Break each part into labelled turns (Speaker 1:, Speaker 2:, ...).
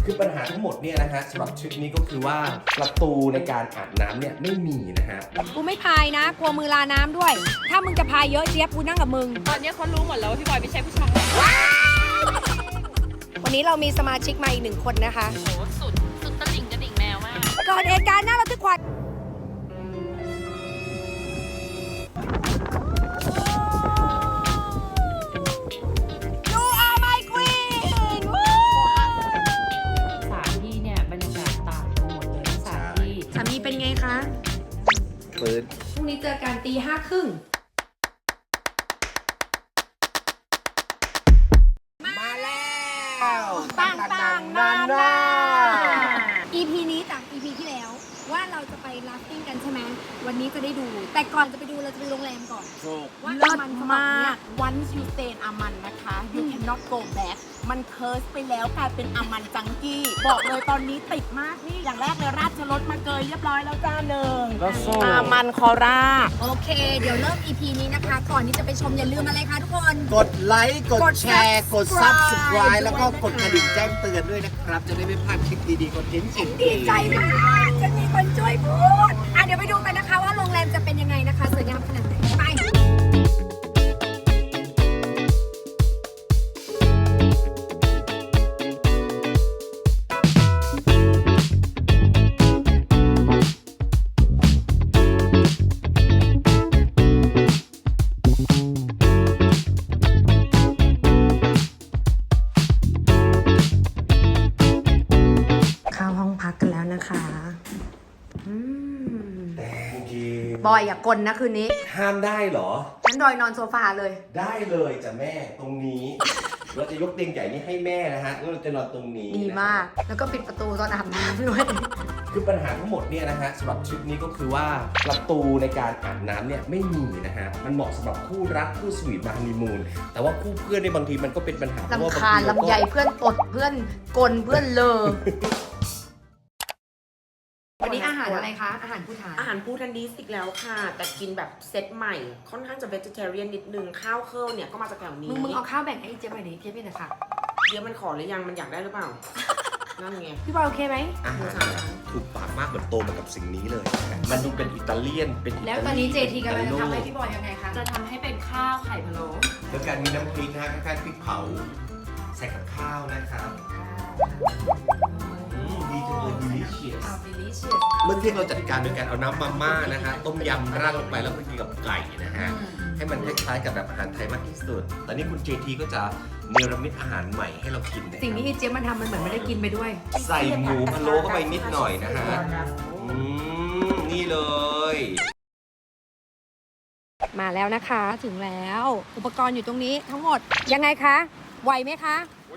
Speaker 1: คือปัญหาทั้งหมดเนี่ยนะฮะสำหรับทริปนี้ก็คือว่าประตูในการอาบน้ำเนี่ยไม่มีนะฮะ
Speaker 2: กูไม่พายนะกลัวมือลาน้ำด้วย ถ้ามึงจะพายเยอะเจี๊ยบกูนั่งกับมึง
Speaker 3: ตอนนี้เขารู้หมดแล้วว่าพี่บอยไม่ใช่ผู้ชาย
Speaker 2: วันนี้เรามีสมาชิกมาอีก1 คนนะคะ
Speaker 3: โอ้โหสุดตะลิ่งกระดิ่งแมวมาก
Speaker 2: เกิดเหตุการณ์น่าระทึกขวัญYou are my queen
Speaker 3: สถานที่เนี่ยบรรยากาศต่างกันหมดเลยสถานที่
Speaker 2: สามีเป็นไงคะ
Speaker 1: ปืน
Speaker 2: พรุ่งนี้เจอกันตี 5:30
Speaker 1: มาแล้ว
Speaker 2: ต่างๆนานา EP นี้จาก EP ที่แล้วว่าเราจะไปราฟติ้งกันใช่ไหมวันนี้จะได้ดู แต่ก่อนจะไปดูเราจะไปโรงแรมก่อน ว่า
Speaker 4: เลิศ
Speaker 2: มัน
Speaker 4: มาก once you stay in อามันนะคะ you cannot go back มันเคิร์สไปแล้วกลายเป็นอามันจังกี้ บอกเลยตอนนี้ติดมากนี่ อย่างแรกเลยราชรถมาเกยเรียบร้อยแล้วจ้าหนึ่งอามันคอร่า
Speaker 2: โอเค เดี๋ยวเริ่ม EP นี้นะคะ ก่อนที่จะไปชมอย่าลืมอะไรคะทุกคน
Speaker 1: กดไลค์กดแชร์กด Subscribe แล้วก็กดกระดิ่งแจ้งเตือนด้วยนะครับ จะได้ไม่พลาดคลิปดีๆคอนเทนต์จริง
Speaker 2: ดีใจมากจะมีคนช่วยพูดเดี๋ยวไปดูกันนะคะว่าโรงแรมจะเป็นยังไงนะคะสวยงามขนาดไหนไปเข้าห้องพักกันแล้วนะคะ
Speaker 1: แต่จริง
Speaker 2: บอยอย่ากลนนะคืนนี้
Speaker 1: ห้ามได้เหรอ
Speaker 2: ฉันดอยนอนโซฟาเลย
Speaker 1: ได้เลยจ้ะแม่ตรงนี้ เราจะยกเตียงใหญ่นี้ให้แม่นะฮะแล้วเราจะนอนตรงนี้
Speaker 2: ดีมาก แล้วก็ปิดประตูตอนอาบน้ำด้วย
Speaker 1: คือปัญหาทั้งหมดเนี่ยนะฮะสำหรับทริปนี้ก็คือว่าประตูในการอาบน้ำเนี่ยไม่มีนะฮะมันเหมาะสำหรับคู่รักคู่สวีทมาฮันนีมูนแต่ว่าคู่เพื่อนในยบางทีมันก็เป็นปัญหาเพราะว่า
Speaker 2: ลำ
Speaker 1: บาง
Speaker 2: คาญ
Speaker 1: ทีเราก็
Speaker 2: ลำใหญ่เพื่อนตดเพื่อนกลเพื่อนเลอ วันนี้อาหารอะไรคะ อาหารผู้ทาน
Speaker 4: อาหารพูทันดีสอีกแล้วค่ะ แต่กินแบบเซตใหม่ ค่อนข้างจะ vegetarian นิดนึง ข้าวเคิลเนี่ยก็มาจากแถวนี้
Speaker 2: มึงเอาข้าวแบ่งให้เจ๊ไปดิเจ๊เป็นค่ะ
Speaker 4: เดี๋ยวมันขอหรือยังมันอยากได้หรือเปล่า นั่นไง
Speaker 2: พี่บอยโอเคไหม
Speaker 1: อาหารถูกปากมากเหมือนโตมากับสิ่งนี้เลยนะฮะมันดูเป็นอิตาเลียนเป็นอิตาเลียน
Speaker 2: แล้วตอนนี้เจทีกำลังจะทำให้พี่บอยยังไงคะ
Speaker 3: จะทำให้เป็นข้าวไข่พะโล้
Speaker 1: แล้วการมีน้ำพริกนะฮะคล้ายๆพริกเผาใส่กับข้าวนะครับดีจังเลย delicious
Speaker 2: อ้าว delicious
Speaker 1: เมื่อเที่ยงเราจัดการโดยการเอาน้ำมาม่านะฮะต้มยำราดลงไปแล้วก็กินกับไก่นะฮะให้มันคล้ายๆกับแบบอาหารไทยมากที่สุดตอนนี้คุณเจทีก็จะเนรมิตอาหารใหม่ให้เรากินนะ
Speaker 2: สิ่งที่เจ๊มันทำมันเหมือนไม่ได้กินไปด้วย
Speaker 1: ใส่หมูพะโล้เข้าไปนิดหน่อยนะฮะนี่เลย
Speaker 2: มาแล้วนะคะถึงแล้ว อุปกรณ์อยู่ตรงนี้ทั้งหมดยังไงคะไหวไหมคะ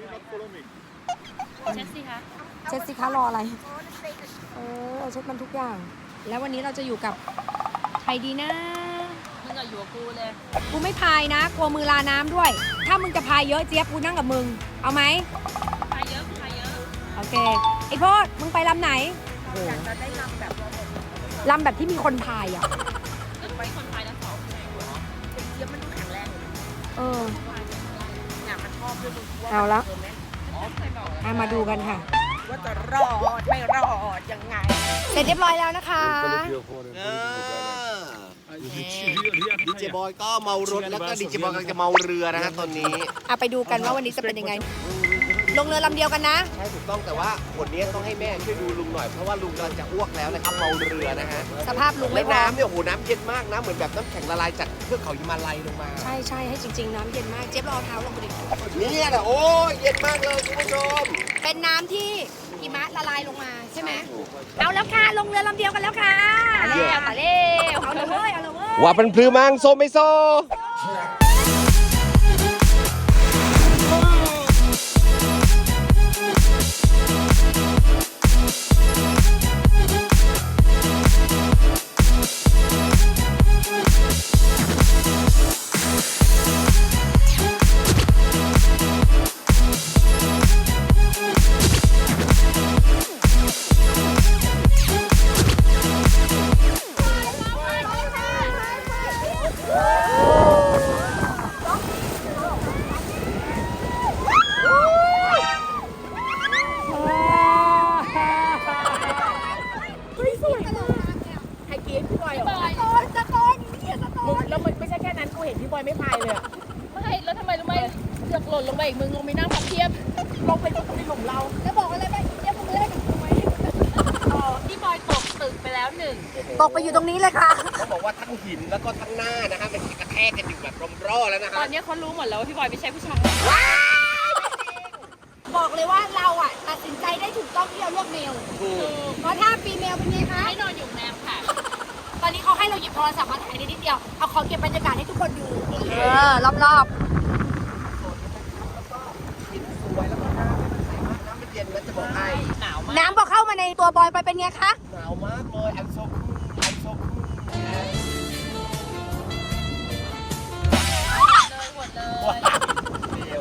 Speaker 3: เช็ดสิคะ
Speaker 2: เช็ดสิคะรออะไรเช็ดมันทุกอย่าง แล้ววันนี้เราจะอยู่กับใครดีนะ
Speaker 3: มึงอะอยู่กับกูเลย
Speaker 2: กูไม่พายนะกลัวมือลาน้ำด้วย ถ้ามึงจะพายเยอะเจี๊ยบกูนั่งกับมึงเอาไหม
Speaker 3: พายเยอะพายเยอะ
Speaker 2: โอเคไอโพดมึงไปลำไหนอยากจะได้ลำแบบที่มีคนพายอ่ะ
Speaker 3: ก็ไปคนพายทั้งสองไง
Speaker 4: เดี๋ยวมันดูแข็งแรงอยู่นะ
Speaker 2: เออ
Speaker 4: เนี่ยมันชอบด้วยมึงว่า
Speaker 2: เอาละ
Speaker 3: ใครบอก
Speaker 2: มาดูกันค่ะ
Speaker 4: ว่าจะรอดไม่รอดยังไง
Speaker 2: เสร็จเรียบร้อยแล้วนะคะ
Speaker 1: ดีเจบอยก็เมารถแล้วก็ดีเจบอยกำลังจะเมาเรือนะฮะตอนนี้
Speaker 2: ไปดูกันว่าวันนี้จะเป็นยังไง ลงเรือลำเดียวกันนะ
Speaker 1: ใช่ถูกต้องแต่ว่าคนนี้ต้องให้แม่ช่วยดูลุงหน่อยเพราะว่าลุงกำลังจะอ้วกแล้วนะครับเมาเรือนะฮะ
Speaker 2: สภาพลุง
Speaker 1: แล้
Speaker 2: ไม่
Speaker 1: ว
Speaker 2: พร้อม
Speaker 1: น้ำเนี่ยโอ้โหน้ำเย็นมากนะเหมือนแบบน้ำแข็งละลายจากเทือกเขาหิมาลัยลงมา
Speaker 2: ใช่ใช่ให้จริง ๆ น้ำเย็นมาก เจ๊บรอเท้าลงไปดิ
Speaker 1: เนี่ยแหละโอ้ยเย็นมากเลยคุณผู้ชม
Speaker 2: เป็นน้ำที่หิมะละลายลงมาใช่ไหม เอาแล้วค่ะ ลงเรือลำเดียวกันแล้วค่ะ
Speaker 3: มาเร็วมาเร็ว
Speaker 2: เอาเลยเว้ยเอาเลยเว้ย
Speaker 1: ว่าเป็นพลือมังโซไม่โซ
Speaker 4: เห็นพี่บอยไม่พายเลยอะ
Speaker 3: ไม่แล้วทำไมรู้ไหมเสือกหล่นลงไปอีกมึงลงไปนั่งพับเพียบ
Speaker 4: ลงไปในหลุมเรา
Speaker 2: แล้วบอกอะไรไปเดี๋ยวมึงเล่นกับกูไหม
Speaker 3: พี่บอยตกตึกไปแล้วหนึ่ง
Speaker 2: ตกไปอยู่ตรงนี้เลยค่ะ
Speaker 1: เขาบอกว่าทั้งหินแล้วก็ทั้งหน้านะฮะมันกระแทกกันอยู่แบบร่อแล้วนะ
Speaker 3: ต
Speaker 1: ฮะ
Speaker 3: อนนี้เขารู้หมดแล้วว่าพี่บอยไม่ใช่ผู้ชาย
Speaker 2: บอกเลยว่าเราอ่ะตัดสินใจได้ถูกต้องที่เราเลือกเมล
Speaker 1: ถูก
Speaker 2: เพราะถ้าฟีเมลเป็นไงคะ
Speaker 3: ให้นอนอยู่แนมค่ะ
Speaker 2: ตอนนี้เขาให้เราหยิบโทรศัพท์มาถ่ายนิดเดียว เอาขอเก็บบรรยากาศให้ทุกคนดู รอบ
Speaker 1: หินสวยแล้วก็น้ำมันใสมากน้ำมันเย็นนะจะบอกให้
Speaker 3: หนาวมาก
Speaker 2: ๆน้ำพอเข้ามาในตัวบอยไปเป็นไงคะ
Speaker 1: หนาวมากเลยI'm so cool I'm so cool
Speaker 3: เลยหมดเลย
Speaker 1: เดียว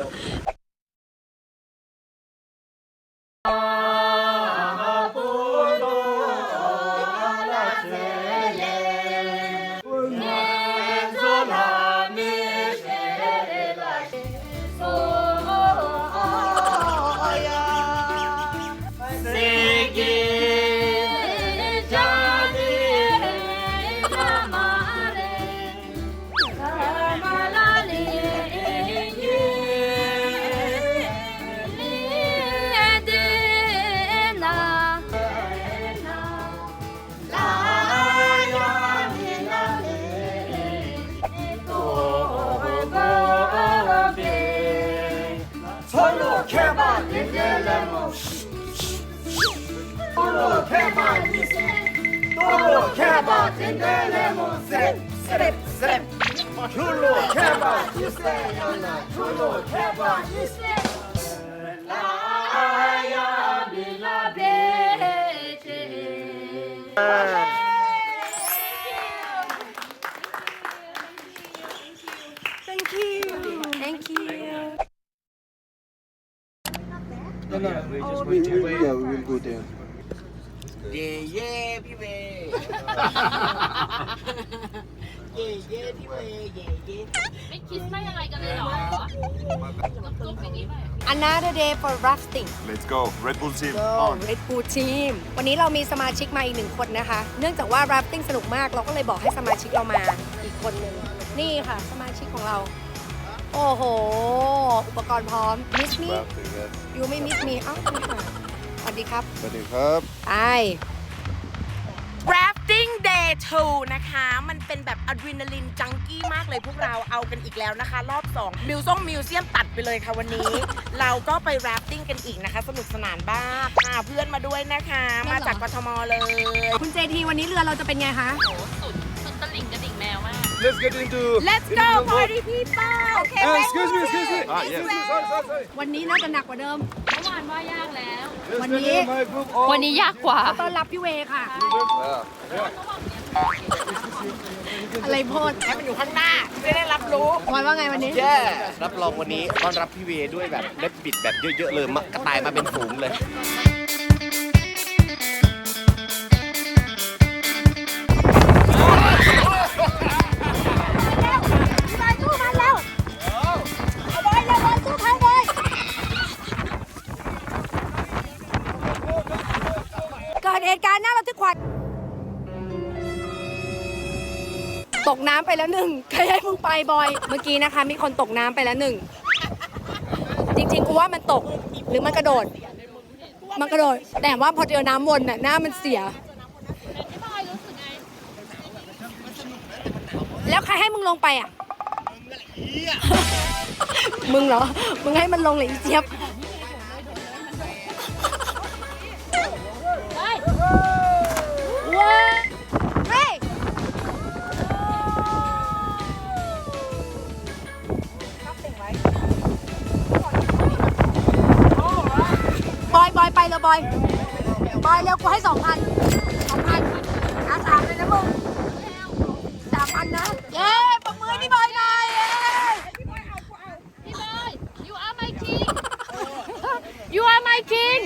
Speaker 2: Thank you Thank you
Speaker 5: Yeah, we will go there.
Speaker 1: เย่เย่พี่เวย์เย่เย่พี่เวย์เย่เย่
Speaker 3: ไม่คิดไม่อะไรกันเลยเหรอจุ๊บอย่างนี้ไป
Speaker 2: Another day for rafting
Speaker 5: Let's go. Red Bull team on.
Speaker 2: Red Bull Team วันนี้เรามีสมาชิกมาอีกหนึ่งคนนะคะ เนื่องจากว่า rafting สนุกมาก เราก็เลยบอกให้สมาชิกเรามาอีกคนหนึ่ง นี่ค่ะ สมาชิกของเรา โอ้โห อุปกรณ์พร้อม Miss me
Speaker 5: Rafting, yes.
Speaker 2: ยูไม่ Miss me อ้าวไม่ค่ะสวัสดีครับ
Speaker 5: Ready, Cup.
Speaker 2: ไป
Speaker 4: Rafting Day 2 นะคะ มันเป็นแบบอะดรีนาลินจังกี้มากเลยพวกเราเอากันอีกแล้วนะคะ รอบ 2 มิวเซียมตัดไปเลยค่ะวันนี้ เราก็ไป rafting กันอีกนะคะ สนุกสนานบ้างพาเพื่อนมาด้วยนะคะ มาจากกทมเลย
Speaker 2: คุณเจทีวันนี้เรือเราจะเป็นไงคะ
Speaker 3: โอ้สุดตะลิ่งกระดิ่งแมวมาก
Speaker 5: Let's get into.
Speaker 4: Let's go party people โอเค
Speaker 5: Excuse me. Ah, yes. Sorry.
Speaker 2: วันนี้น่าจะหนักกว่าเดิม
Speaker 3: เมื่อวานว่ายากแล้ว
Speaker 5: Let's
Speaker 2: วัน
Speaker 5: get
Speaker 2: นี้
Speaker 5: in my group. All.
Speaker 3: วันนี้ยากกว่า
Speaker 2: ต้อนรับพี่เวค่ะ
Speaker 5: Yeah.
Speaker 2: อะไรโพด
Speaker 4: ให้มันอยู่ข้างหน้าจะได้รับรู้
Speaker 2: บอยว่าไงวันนี้
Speaker 1: แย่รับรองวันนี้ต้อนรับพี่เวย์ด้วยแบบเล็บบิดแบบเยอะๆเลยกระต่ายมาเป็นฝูงเลย
Speaker 2: พี่บอยสู้มันแล้วเอาบอยเร็วบอยสู้เขาบอยเกิดเหตุการณ์น่าระทึกขวัญตกน้ำไปแล้วหนึ่งใครให้มึงไปบอย เมื่อกี้นะคะ มีคนตกน้ำไปแล้วหนึ่ง จริงๆกูว่ามันตกหรือมันกระโดด มันกระโดด แต่ว่าพอเจอน้ำวนน่ะหน้ามันเสีย
Speaker 3: พี่บอยรู้สึกไง
Speaker 2: แล้วใครให้มึงลงไปอ่ะ มึงเหรอ มึงให้มันลงเลยอีเจี๊ยบ
Speaker 3: เฮ้ย
Speaker 2: ว้าเฮ้ยบอยไปเร็วบอยเร็วกูให้ 2,000 3,000เลยนะมึง 3,000 นะ เย้ปรบมือให้พี่บอยหน่อยเย้
Speaker 3: พี่บอย you are my king you are my king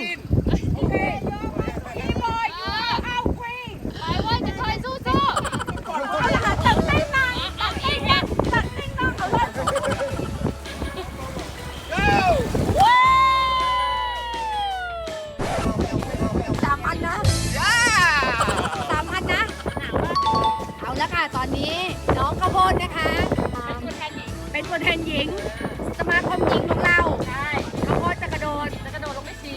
Speaker 2: พี่บอยอยู่เอาควีน
Speaker 3: ไปเว้ยจะคอยสู้สู้
Speaker 2: เอาละค่ะตัดเต้นหน่อย
Speaker 3: ตัดเองนะ
Speaker 2: ตัดเต้นหน่อยเอาเลย 3,000 นะ 3,000 นะ เอาละค่ะ ตอนนี้น้องข้าวโพดนะคะเป็นตัวแทนหญิง สมาคมหญิงของเรา
Speaker 3: ใช่
Speaker 2: เขาก็จะกระโดด
Speaker 3: จะกระโดดลงไม่ชี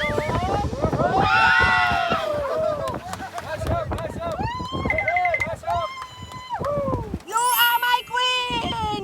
Speaker 2: You are my queen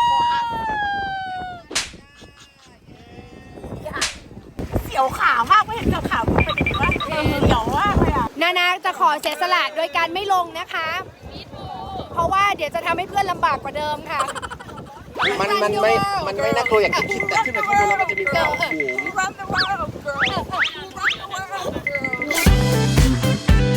Speaker 4: เสียวขาวมากไม่เห็นขาวๆเป็นยังไงวะเสียวมากเลยอ่ะ
Speaker 2: นาจะขอเสียสละโดยการไม่ลงนะคะ เพราะว่าเดี๋ยวจะทำให้เพื่อนลำบากกว่าเดิมค่ะ
Speaker 1: มันไม่น่ากลัวอย่างที่คิดแต่ขึ้นมาข้างบนแล้วมันจะมีความสูง
Speaker 4: Run the world girl Run the world girl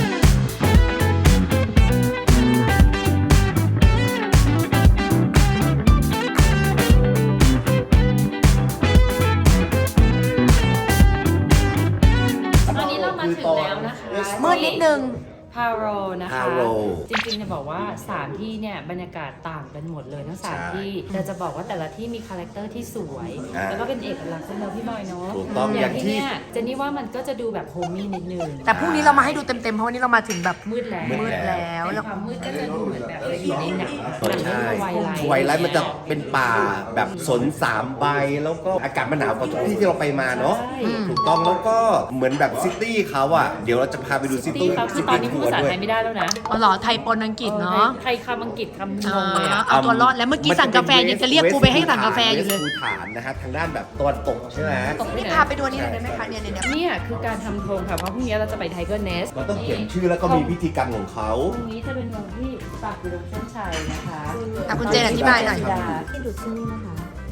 Speaker 3: ตอนนี้เรามาถึงแล้วนะคะ
Speaker 2: มืดนิดนึง
Speaker 3: พาโรนะคะ
Speaker 1: Paro
Speaker 3: จริงๆจะบอกว่า3ที่เนี่ยบรรยากาศต่างกันหมดเลยทั้ง
Speaker 1: ใช่
Speaker 3: 3ที่แต่จะบอกว่าแต่ละที่มีคาแรคเตอร์ที่สวย
Speaker 1: อ่า
Speaker 3: แล้วก็เป็นเอกลักษณ์ของเราพี่บอยเนาะ
Speaker 1: ถูกต้อง
Speaker 3: อย่างที่
Speaker 1: อย่างที่
Speaker 3: เนี่ยเจนนี่ว่ามันก็จะดูแบบโฮมมี่นิดนึง
Speaker 2: แต่พรุ่งนี้เรามาให้ดูเต็มๆ เพราะวันนี้เรามาถึงแบบ
Speaker 3: มืดแล้ว
Speaker 1: มืดแล้ว
Speaker 3: ในความมืดก็จะดูเหมือนแบบอยู่ในหนังเรื่อง
Speaker 1: ใช่
Speaker 3: ไวไลท์
Speaker 1: ไวไลท์มันจะเป็นป่าแบบสน3 ใบ แล้วก็อากาศมันหนาวกว่าทุกที่ที่เราไปมาเนาะ
Speaker 3: ใช่
Speaker 1: ถูกต้องแล้วก็เหมือนแบบซิตี้เขาอ่ะ เดี๋ยวเราจะพาไปดูซิ
Speaker 3: ที่
Speaker 1: ตี้
Speaker 3: เขาคือตอนนี้พูดภาษาไทยไม่ได้แล้วนะ
Speaker 2: อ๋อเหรอไทยปนอังกฤษเนาะ
Speaker 3: ไทยคำอังกฤษคำงงเลยอะ
Speaker 2: เอาตัวรอดแล้วเมื่อกี้สั่งกาแฟยังจะเรียกกูไปให้สั่งกาแฟอยู่เลย
Speaker 1: ภูฐานนะฮะทางด้านแบบตะวันตกใช่ไหม
Speaker 2: นี่พาไปดูอันนี้หน่อยได้ไหมคะเนี่ย
Speaker 3: เนี่ยคือการทำธงค่ะเพราะพรุ่งนี้เราจะไปไทเกอร์เนส
Speaker 1: เราต้องเขียนชื่อแล้วก็มีพิธีกรรมของเขา
Speaker 3: ตรงนี้จะเป็นธงที่ปักอยู่ตรงเส้นชัยนะคะ
Speaker 2: อ่ะคุณเจนอธิบายหน่อย
Speaker 3: ที่ดูที่นี่นะคะ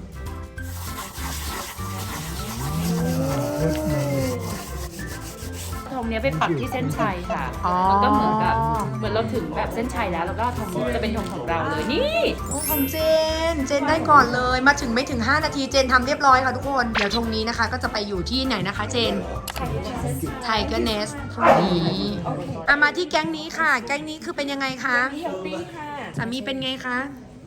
Speaker 3: ธงเนี้ยไปปักที่เส้นชัยค่ะ
Speaker 2: อ๋อ
Speaker 3: มันก็เหมือนเราถึงแบบเส้นชัยแล้วแล้วก็ธงจะเป็นธงของเราเลยนี่
Speaker 2: โอ้ของเจนได้ก่อนเลย มาถึงไม่ถึง 5 นาทีเจนทำเรียบร้อยค่ะทุกคน เดี๋ยวธงนี้นะคะ ก็จะไปอยู่ที่ไหนนะคะเจน ไทเกอร์เนสพรุ่งนี้อ่ะมาที่แก๊งนี้ค่ะ แก๊งนี้คือเป็นยังไงคะสามีเป็นไงคะ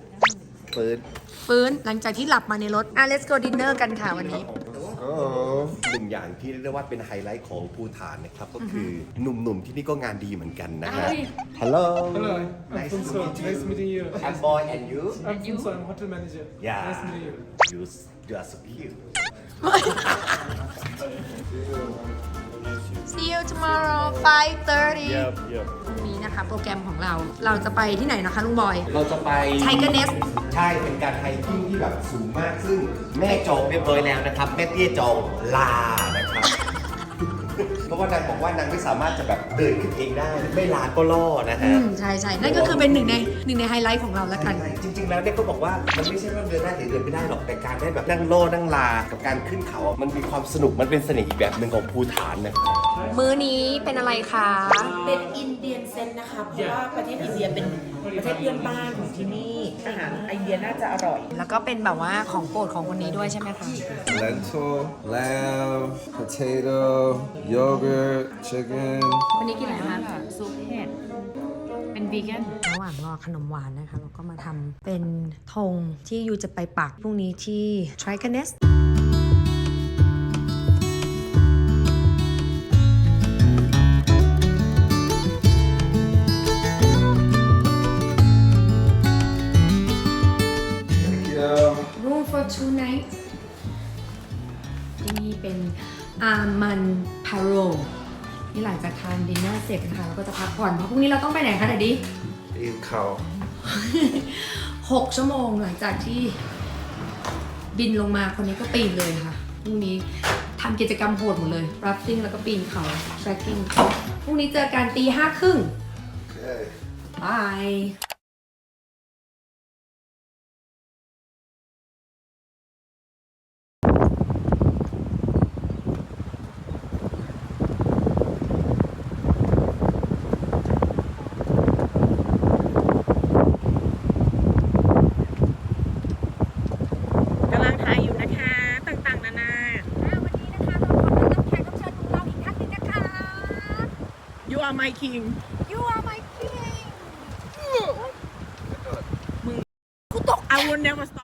Speaker 2: ฟื้นหลังจากที่หลับมาในรถ let's go dinner กันค่ะวันนี้
Speaker 1: หนึ่งอย่างที่เรียกได้ว่าเป็นไฮไลท์ของภูฐานนะครับ ก็คือหนุ่มๆที่นี่ก็งานดีเหมือนกันนะฮะ Hello
Speaker 5: Hello,
Speaker 1: Nice to
Speaker 5: Alfonso.
Speaker 1: meet you.
Speaker 5: Nice meeting you.
Speaker 1: I'm boy and you
Speaker 5: Alfonso, I'm hotel manager.
Speaker 1: Yeah
Speaker 5: Nice meeting you.
Speaker 1: You are so cute
Speaker 2: See you tomorrow 5:30
Speaker 5: Yep.
Speaker 2: พรุ่งนี้นะคะโปรแกรมของเราจะไปที่ไหนนะคะลุงบอย
Speaker 1: เราจะไป
Speaker 2: Tiger Nest
Speaker 1: ใช่ เป็นการไฮกิ้งที่แบบสูงมาก ซึ่งแม่จองเรียบร้อยแล้วนะครับ แม่เตี้ยจองลานะครับ เพราะว่านางบอกว่านางไม่สามารถจะแบบเดินขึ้นเองได้ ไม่ลาก็ล่อนะฮะ
Speaker 2: ใช่ นั่นก็คือเป็นหนึ่งในไฮไลท์ของเราแล้วกัน
Speaker 1: จริงๆ แล้วเนี่ยก็บอกว่ามันไม่ใช่ว่าเดินได้หรือเดินไม่ได้หรอก แต่การได้แบบนั่งโล่นั่งลา กับการขึ้นเขาอะมันมีความสนุก มันเป็นเสน่ห์อีกแบบหนึ่งของภูฐานนะครับ
Speaker 2: มื้อนี้เป็นอะไรคะ
Speaker 4: เป็นอินเดียนเซนนะคะ เพราะว่าประเทศอินเดียเป็นประเทศเพื่อนบ้านของที่นี่ อาหารอินเดียน่าจะอร่อย
Speaker 2: แล้วก็เป็นแบบว่าของโปรดของคนนี้ด้วยใช่ไหมคะ
Speaker 5: Lentil, lamb, potato, yogurt, chicken.
Speaker 3: วันนี้กินอะไรคะซุปเห็ดเป็นวีแกน
Speaker 2: ระหว่างรอขนมหวานนะคะ เราก็มาทำเป็นธงที่ยูจะไปปักพรุ่งนี้ที่ Tiger Nest Room for 2 nights ที่นี่เป็นอามันพาโรนี่หลังจากทานดินเนอร์เสร็จนะคะเราก็จะพักผ่อนเพราะพรุ่งนี้เราต้องไปไหนคะเดดดี้
Speaker 5: Eat cow.
Speaker 2: 6 ชั่วโมงหลังจากที่บินลงมาคนนี้ก็ปีนเลยค่ะพรุ่งนี้ทำกิจกรรมโหดหมดเลย rafting แล้วก็ปีนเขา trekking พรุ่งนี้เจอกันตี 5:30
Speaker 5: Okay.
Speaker 2: บาย
Speaker 4: กำลังถ่ายอยู่นะคะ ต่างๆ นานา
Speaker 2: วันนี้นะคะเราขอบคุณน้องแขกรับเชิญของเราอีกท่านหนึงนะคะ
Speaker 4: You are my king